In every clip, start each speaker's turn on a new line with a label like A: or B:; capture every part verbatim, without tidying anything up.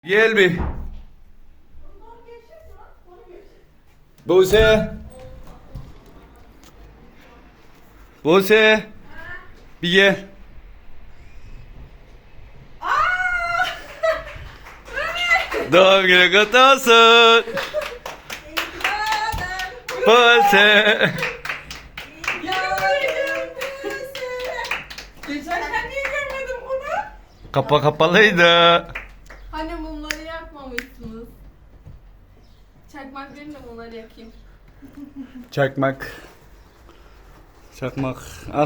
A: Gel bir. Buse. Buse. Bir gel. Doğum günü kutlu olsun. Buse.
B: Geçerken niye görmedim bunu?
A: Kapa kapalıydı.
B: Hani mumları yakmamışsınız. Çakmak verin de mumları yakayım.
A: Çakmak. Çakmak. Al.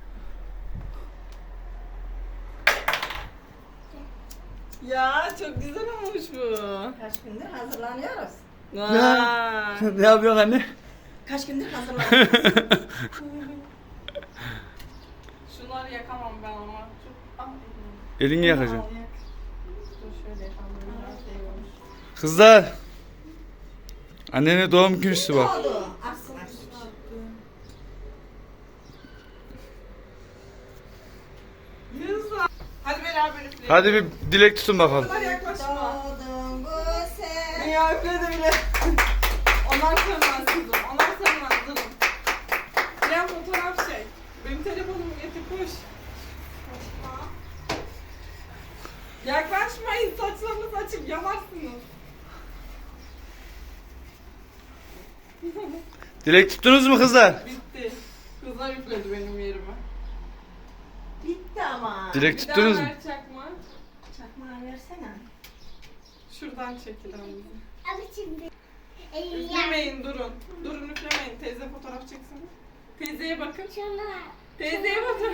B: Ya çok güzel olmuş bu.
C: Kaç gündür hazırlanıyoruz.
B: Vay.
A: Ne yapıyorsun anne?
C: Kaç gündür hazırlanıyoruz.
B: Şunları yakamam ben ama. Çok... Ah,
A: Elini yakacağım.
B: al, yak. Dur şöyle yapalım. Biraz şey olmuş.
A: Kızlar. Annenin doğum günüsü bak.
C: Oldu. Aksın aksın.
B: Kızlar. Hadi beraber üfleyelim.
A: Hadi bir dilek tutun bakalım.
B: Kızlar yaklaşma.
C: Doğdun bu sen.
B: Ya üfledi bile. Onlar sönmez kızım. Onlar sönmez durun. Ya fotoğraf çek. Benim telefonumu getir koş. Yaklaşmayın, saçlarınızı açıp yanarsınız.
A: Dilek tuttunuz mu kızlar?
B: Bitti. Kızlar üfledi benim yerime.
C: Bitti ama.
A: Dilek
B: Bir
A: tuttunuz
B: daha
A: mu?
B: ver çakma.
C: Çakmağı versene.
B: Şuradan çekil bizi.
D: Abi şimdi.
B: Üflemeyin, durun. Durun, üflemeyin. Teyze fotoğraf çeksin. Teyzeye bakın.
D: Şuna.
B: Teyzeye bakın.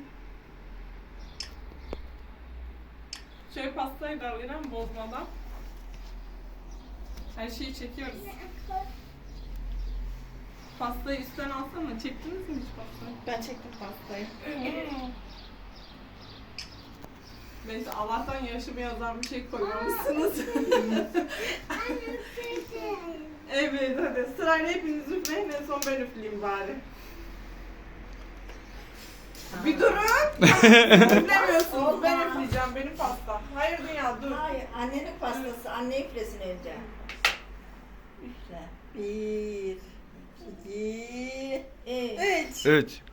B: Şöyle pastayı da alayım bozmadan. Her şeyi çekiyoruz. Pastayı üstten alsana. Çektiniz mi hiç pastayı?
C: Ben çektim pastayı.
B: Neyse Allah'tan yaşımı yazan bir şey koymamışsınız. Evet hadi sırayla hepiniz üfleyin, en son ben üfleyeyim bari. Bir durun. Üflemiyorsunuz, ben üfleyeceğim, benim pasta. Hayır dünya dur.
C: Hayır, annenin pastası. Anne üflesin önce. Üfle. Bir, iki, üç.
A: Evet.